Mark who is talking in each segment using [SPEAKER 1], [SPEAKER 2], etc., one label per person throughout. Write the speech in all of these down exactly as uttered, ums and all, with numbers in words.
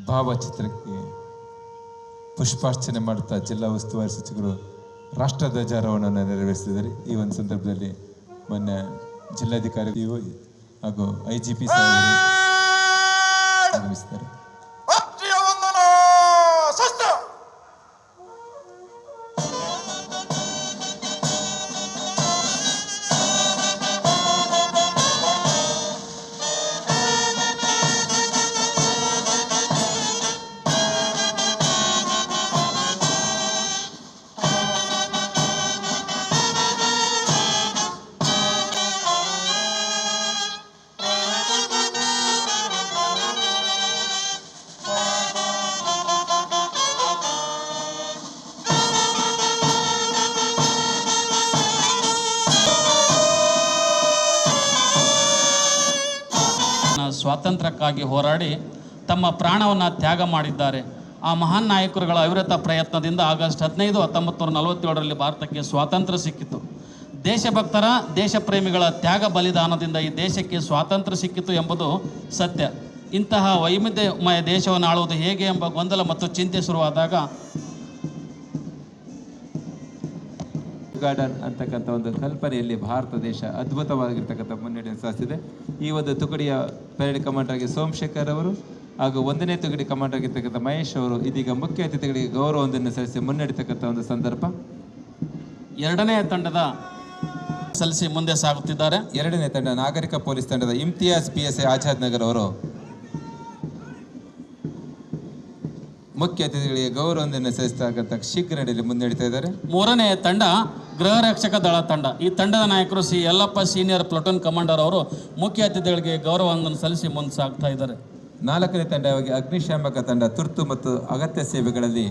[SPEAKER 1] ಭಾವಚಿತ್ರಕ್ಕೆ ಪುಷ್ಪಾರ್ಚನೆ ಮಾಡುತ್ತಾ ಜಿಲ್ಲಾ ಉಸ್ತುವಾರಿ ಸಚಿವರು ರಾಷ್ಟ್ರ ಧ್ವಜಾರೋಹಣವನ್ನು ನೆರವೇರಿಸಿದ್ದಾರೆ. ಈ ಒಂದು ಸಂದರ್ಭದಲ್ಲಿ ಮೊನ್ನೆ ಜಿಲ್ಲಾಧಿಕಾರಿ ಹಾಗೂ ಐ ಜಿ ಪಿ ಸಾಹೇಬರು ಆಗಮಿಸಿದ್ದಾರೆ.
[SPEAKER 2] ಸ್ವಾತಂತ್ರ್ಯಕ್ಕಾಗಿ ಹೋರಾಡಿ ತಮ್ಮ ಪ್ರಾಣವನ್ನು ತ್ಯಾಗ ಮಾಡಿದ್ದಾರೆ. ಆ ಮಹಾನ್ ನಾಯಕರುಗಳ ಅವಿರತ ಪ್ರಯತ್ನದಿಂದ ಆಗಸ್ಟ್ ಹದಿನೈದು ಹತ್ತೊಂಬತ್ತು ನೂರ ನಲವತ್ತೇಳರಲ್ಲಿ ಭಾರತಕ್ಕೆ ಸ್ವಾತಂತ್ರ್ಯ ಸಿಕ್ಕಿತು. ದೇಶಭಕ್ತರ ದೇಶ ಪ್ರೇಮಿಗಳ ತ್ಯಾಗ ಬಲಿದಾನದಿಂದ ಈ ದೇಶಕ್ಕೆ ಸ್ವಾತಂತ್ರ್ಯ ಸಿಕ್ಕಿತು ಎಂಬುದು ಸತ್ಯ. ಇಂತಹ ವೈವಿಧ್ಯಮಯ ದೇಶವನ್ನು ಆಳುವುದು ಹೇಗೆ ಎಂಬ ಗೊಂದಲ ಮತ್ತು ಚಿಂತೆ ಶುರುವಾದಾಗ
[SPEAKER 1] ಗಾರ್ಡನ್ ಅಂತಕ್ಕಂಥ ಒಂದು ಕಲ್ಪನೆಯಲ್ಲಿ ಭಾರತ ದೇಶ ಅದ್ಭುತವಾಗಿರ್ತಕ್ಕಂಥ ಮುನ್ನಡೆಯನ್ನು ಸಾಧಿಸಿದೆ. ಈ ಒಂದು ತುಕಡಿಯ ಪರೇಡ್ ಕಮಾಂಡರ್ ಆಗಿ ಸೋಮಶೇಖರ್ ಅವರು ಹಾಗೂ ಒಂದನೇ ತುಕಡಿ ಕಮಾಂಡರ್ ಆಗಿರ್ತಕ್ಕಂಥ ಮಹೇಶ್ ಅವರು ಇದೀಗ ಮುಖ್ಯ ಅತಿಥಿಗಳಿಗೆ ಗೌರವವನ್ನು ಸಲ್ಲಿಸಿ ಮುನ್ನಡೆತಕ್ಕಂಥ ಒಂದು ಸಂದರ್ಭ.
[SPEAKER 2] ಎರಡನೇ ತಂಡದ ಸಲ್ಲಿಸಿ ಮುಂದೆ ಸಾಗುತ್ತಿದ್ದಾರೆ.
[SPEAKER 1] ಎರಡನೇ ತಂಡ ನಾಗರಿಕ ಪೊಲೀಸ್ ತಂಡದ Imtiaz P S I Azad Nagar ಅವರು ಮುಖ್ಯ ಅತಿಥಿಗಳಿಗೆ ಗೌರವವನ್ನು ಸಲ್ಲಿಸತಕ್ಕಂಥ ಶೀಘ್ರ ನಡೆಯಲ್ಲಿ ಮುನ್ನಡೀತಾ ಇದ್ದಾರೆ.
[SPEAKER 2] ಮೂರನೇ ತಂಡ ಗೃಹ ರಕ್ಷಕ ದಳ ತಂಡ. ಈ ತಂಡದ ನಾಯಕರು C Yallappa senior platoon commander ಅವರು ಮುಖ್ಯ ಅತಿಥಿಗಳಿಗೆ ಗೌರವವನ್ನು ಸಲ್ಲಿಸಿ ಮುಂದೆ ಸಾಗ್ತಾ ಇದ್ದಾರೆ.
[SPEAKER 1] ನಾಲ್ಕನೇ ತಂಡವಾಗಿ ಅಗ್ನಿಶಾಮಕ ತಂಡ ತುರ್ತು ಮತ್ತು ಅಗತ್ಯ ಸೇವೆಗಳಲ್ಲಿ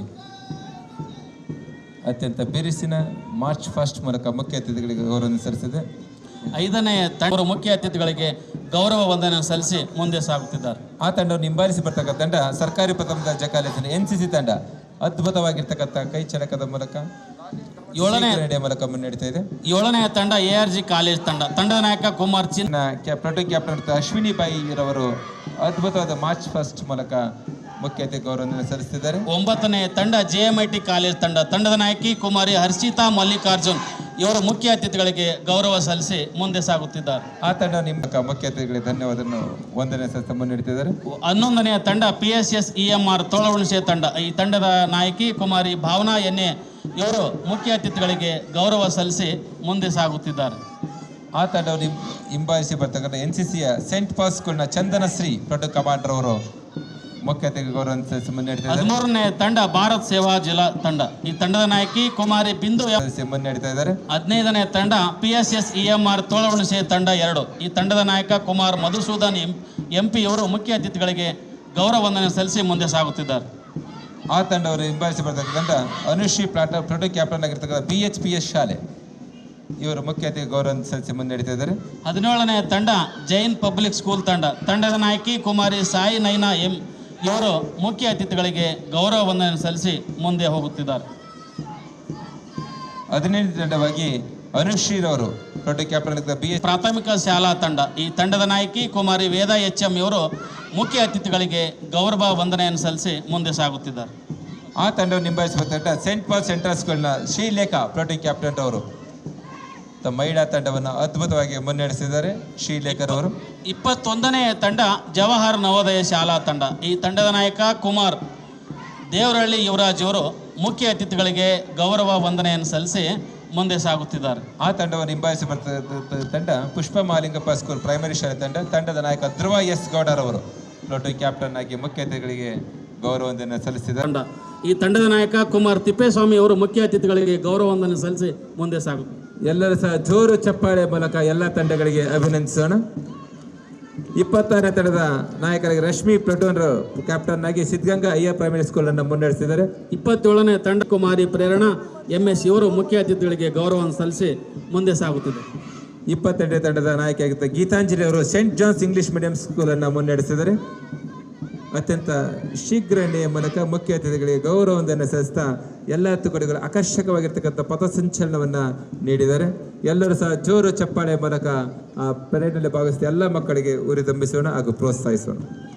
[SPEAKER 1] ಅತ್ಯಂತ ಬಿರುಸಿನ ಮಾರ್ಚ್ ಫಸ್ಟ್ ಮೂಲಕ ಮುಖ್ಯ ಅತಿಥಿಗಳಿಗೆ ಗೌರವವನ್ನು ಸಲ್ಲಿಸಿದೆ.
[SPEAKER 2] ಐದನೇ ತಂಡ ಮುಖ್ಯ ಅತಿಥಿಗಳಿಗೆ ಗೌರವ ವಂದನೆ ಸಲ್ಲಿಸಿ ಮುಂದೆ ಸಾಗುತ್ತಿದ್ದಾರೆ.
[SPEAKER 1] ಆ ತಂಡವನ್ನು ಹಿಂಬಾಲಿಸಿ ಬರ್ತಕ್ಕಂಥ ತಂಡ ಸರ್ಕಾರಿ ಪ್ರಥಮ ದರ್ಜೆ ಕಾಲೇಜಿನ ಎನ್ ಸಿ ಸಿ ತಂಡ ಅದ್ಭುತವಾಗಿರ್ತಕ್ಕಂಥ ಕೈ ಚಳಕದ ಮೂಲಕ
[SPEAKER 2] ಏಳನೇ
[SPEAKER 1] ಮೂಲಕ ಮುನ್ನಡೀತಾ ಇದೆ.
[SPEAKER 2] ಏಳನೇ ತಂಡ ಎ ಆರ್ ಜಿ ಕಾಲೇಜ್ ತಂಡ. ತಂಡದ ನಾಯಕ ಕುಮಾರ್ ಚಿನ್ನ
[SPEAKER 1] ಪ್ಲಟೂನ್ ಕ್ಯಾಪ್ಟನ್ ಅಶ್ವಿನಿ ಬಾಯಿ ರವರು ಅದ್ಭುತವಾದ ಮಾರ್ಚ್ ಫಸ್ಟ್ ಮೂಲಕ ಮುಖ್ಯ ಅತಿಥಿ ಗೌರವವನ್ನು ಸಲ್ಲಿಸುತ್ತಿದ್ದಾರೆ.
[SPEAKER 2] ಒಂಬತ್ತನೇ ತಂಡ J M I T college ತಂಡ. ತಂಡದ ನಾಯಕಿ ಕುಮಾರಿ ಹರ್ಷಿತಾ ಮಲ್ಲಿಕಾರ್ಜುನ್ ಇವರು ಮುಖ್ಯ ಅತಿಥಿಗಳಿಗೆ ಗೌರವ ಸಲ್ಲಿಸಿ ಮುಂದೆ ಸಾಗುತ್ತಿದ್ದಾರೆ.
[SPEAKER 1] ಆ ತಂಡ ನಿಮ್ಮ ಮುಖ್ಯ ಅತಿಥಿಗಳಿಗೆ ಧನ್ಯವಾದವನ್ನು ವಂದನೆ ಸಲ್ಲಿಸಿ ಮುನ್ನಡೆಯುತ್ತಿದ್ದಾರೆ.
[SPEAKER 2] ಹನ್ನೊಂದನೆಯ ತಂಡ P S S E M R Tolahunase ತಂಡ. ಈ ತಂಡದ ನಾಯಕಿ ಕುಮಾರಿ ಭಾವನಾ ಎನ್ನೆ ಇವರು ಮುಖ್ಯ ಅತಿಥಿಗಳಿಗೆ ಗೌರವ ಸಲ್ಲಿಸಿ ಮುಂದೆ ಸಾಗುತ್ತಿದ್ದಾರೆ.
[SPEAKER 1] ಆ ತಂಡವನ್ನು ಹಿಂಬಾಲಿಸಿ ಬರ್ತಕ್ಕಂಥ ಎನ್ ಸಿ ಸಿಯ ಸೆಂಟ್ ಪಾಲ್ ಸ್ಕೂಲ್ನ ಚಂದನ ಶ್ರೀ ಪ್ಲಟೂನ್ ಕಮಾಂಡರ್ ಅವರು ಮುಖ್ಯ ಅತಿಥಿ ಗೌರವ ಸಲ್ಲಿಸಿ ಮುನ್ನಡೆಯುತ್ತಿದ್ದಾರೆ.
[SPEAKER 2] ಹದಿಮೂರನೇ ತಂಡ ಭಾರತ್ ಸೇವಾ ಜಿಲ್ಲಾ ತಂಡ. ಈ ತಂಡದ ನಾಯಕಿ ಕುಮಾರಿ ಬಿಂದು
[SPEAKER 1] ಮುನ್ನಡೆಯುತ್ತಾ ಇದ್ದಾರೆ.
[SPEAKER 2] ಹದಿನೈದನೇ ತಂಡ P S S E M R Tolahunase ತಂಡ ಎರಡು. ಈ ತಂಡದ ನಾಯಕ ಕುಮಾರ್ ಮಧುಸೂದನ್ ಎಂ ಪಿ ಅವರು ಮುಖ್ಯ ಅತಿಥಿಗಳಿಗೆ ಗೌರವ ವಂದನೆ ಸಲ್ಲಿಸಿ ಮುಂದೆ ಸಾಗುತ್ತಿದ್ದಾರೆ.
[SPEAKER 1] ಆ ತಂಡವರು ಹಿಂಬಾಲಿಸಿ ಬರ್ತಕ್ಕಂಥ ಅನುಶ್ರೀ ಪ್ಲಾಟ ಪ್ಲಟೂನ್ ಕ್ಯಾಪ್ಟನ್ ಆಗಿರ್ತಕ್ಕಂಥ ಬಿ ಎಚ್ ಪಿ ಎಸ್ ಶಾಲೆ ಇವರು ಮುಖ್ಯ ಅತಿಥಿ ಗೌರವ ಸಲ್ಲಿಸಿ ಮುನ್ನಡೆಯುತ್ತಾ ಇದ್ದಾರೆ.
[SPEAKER 2] ಹದಿನೇಳನೇ ತಂಡ ಜೈನ್ ಪಬ್ಲಿಕ್ ಸ್ಕೂಲ್ ತಂಡ. ತಂಡದ ನಾಯಕಿ ಕುಮಾರಿ ಸಾಯಿ ನೈನಾ ಎಂ ಇವರು ಮುಖ್ಯ ಅತಿಥಿಗಳಿಗೆ ಗೌರವ ವಂದನೆ ಸಲ್ಲಿಸಿ ಮುಂದೆ ಹೋಗುತ್ತಿದ್ದಾರೆ.
[SPEAKER 1] ಹದಿನೆಂಟು ತಂಡವಾಗಿ ಅನುಶ್ರೀರವರು ಪ್ಲಟೂನ್ ಕ್ಯಾಪ್ಟನ್ ಬಿ
[SPEAKER 2] ಪ್ರಾಥಮಿಕ ಶಾಲಾ ತಂಡ. ಈ ತಂಡದ ನಾಯಕಿ ಕುಮಾರಿ ವೇದ ಎಚ್ ಎಂ ಇವರು ಮುಖ್ಯ ಅತಿಥಿಗಳಿಗೆ ಗೌರವ ವಂದನೆಯನ್ನು ಸಲ್ಲಿಸಿ ಮುಂದೆ ಸಾಗುತ್ತಿದ್ದಾರೆ.
[SPEAKER 1] ಆ ತಂಡವನ್ನು ನಿಂಬಾಯಿಸುವ ತಂಡ ಸೆಂಟ್ ಪಾಲ್ ಸೆಂಟ್ರಲ್ ಸ್ಕೂಲ್ನ ಶ್ರೀಲೇಖಾ ಪ್ಲಟೂನ್ ಕ್ಯಾಪ್ಟನ್ ಅವರು ಮಹಿಳಾ ತಂಡವನ್ನು ಅದ್ಭುತವಾಗಿ ಮುನ್ನಡೆಸಿದ್ದಾರೆ. ಶ್ರೀಲೇಖರ್ ಅವರು.
[SPEAKER 2] ಇಪ್ಪತ್ತೊಂದನೇ ತಂಡ ಜವಾಹರ್ ನವೋದಯ ಶಾಲಾ ತಂಡ. ಈ ತಂಡದ ನಾಯಕ ಕುಮಾರ್ ದೇವರಹಳ್ಳಿ ಯುವರಾಜ್ ಅವರು ಮುಖ್ಯ ಅತಿಥಿಗಳಿಗೆ ಗೌರವ ವಂದನೆಯನ್ನು ಸಲ್ಲಿಸಿ ಮುಂದೆ ಸಾಗುತ್ತಿದ್ದಾರೆ.
[SPEAKER 1] ಆ ತಂಡವನ್ನು ಹಿಂಬಾಲಿಸಿ ಬರ್ತಕ್ಕಂಥ ತಂಡ ಪುಷ್ಪ ಮಾಲಿಂಗಪ್ಪ ಸ್ಕೂಲ್ ಪ್ರೈಮರಿ ಶಾಲೆ ತಂಡ. ತಂಡದ ನಾಯಕ ಧ್ರುವ ಎಸ್ ಗೌಡರ್ ಅವರು ಪ್ಲಟೂನ್ ಕ್ಯಾಪ್ಟನ್ ಆಗಿ ಮುಖ್ಯ ಅತಿಥಿಗಳಿಗೆ ಗೌರವ ವಂದನೆ ಸಲ್ಲಿಸಿದ್ದಾರೆ.
[SPEAKER 2] ಈ ತಂಡದ ನಾಯಕ ಕುಮಾರ್ ತಿಪ್ಪೇಸ್ವಾಮಿ ಅವರು ಮುಖ್ಯ ಅತಿಥಿಗಳಿಗೆ ಗೌರವ ವಂದನೆ ಸಲ್ಲಿಸಿ ಮುಂದೆ ಸಾಗುತ್ತಾರೆ.
[SPEAKER 1] ಎಲ್ಲರೂ ಸಹ ಜೋರು ಚಪ್ಪಾಳೆ ಮೂಲಕ ಎಲ್ಲ ತಂಡಗಳಿಗೆ ಅಭಿನಂದಿಸೋಣ. ಇಪ್ಪತ್ತಾರನೇ ತಂಡದ ನಾಯಕರಾಗಿ ರಶ್ಮಿ ಪ್ಲಟೂನ್ ಕ್ಯಾಪ್ಟನ್ ಆಗಿ ಸಿದ್ಧಗಂಗಾ ಅಯ್ಯ ಪ್ರೈಮರಿ ಸ್ಕೂಲ್ ಅನ್ನು ಮುನ್ನಡೆಸಿದ್ದಾರೆ.
[SPEAKER 2] ಇಪ್ಪತ್ತೇಳನೇ ತಂಡ ಕುಮಾರಿ ಪ್ರೇರಣಾ ಎಂ ಎಸ್ ಇವರು ಮುಖ್ಯ ಅತಿಥಿಗಳಿಗೆ ಗೌರವವನ್ನು ಸಲ್ಲಿಸಿ ಮುಂದೆ ಸಾಗುತ್ತಿದೆ.
[SPEAKER 1] ಇಪ್ಪತ್ತೆಂಟನೇ ತಂಡದ ನಾಯಕಿಯಾಗಿದ್ದ ಗೀತಾಂಜಲಿ ಅವರು saint John's English medium school ಅನ್ನು ಮುನ್ನಡೆಸಿದ್ದಾರೆ. ಅತ್ಯಂತ ಶೀಘ್ರ ಮೂಲಕ ಮುಖ್ಯ ಅತಿಥಿಗಳಿಗೆ ಗೌರವವನ್ನು ಸಲ್ಲಿಸ್ತಾ ಎಲ್ಲ ತುಕಡಿಗಳು ಆಕರ್ಷಕವಾಗಿರ್ತಕ್ಕಂಥ ಪಥಸಂಚಲನವನ್ನು ನೀಡಿದ್ದಾರೆ. ಎಲ್ಲರೂ ಸಹ ಜೋರು ಚಪ್ಪಾಳೆ ಮೂಲಕ ಆ ಪರೇಡ್ನಲ್ಲಿ ಭಾಗವಹಿಸಿ ಎಲ್ಲ ಮಕ್ಕಳಿಗೆ ಉರಿದಂಬಿಸೋಣ ಹಾಗೂ ಪ್ರೋತ್ಸಾಹಿಸೋಣ.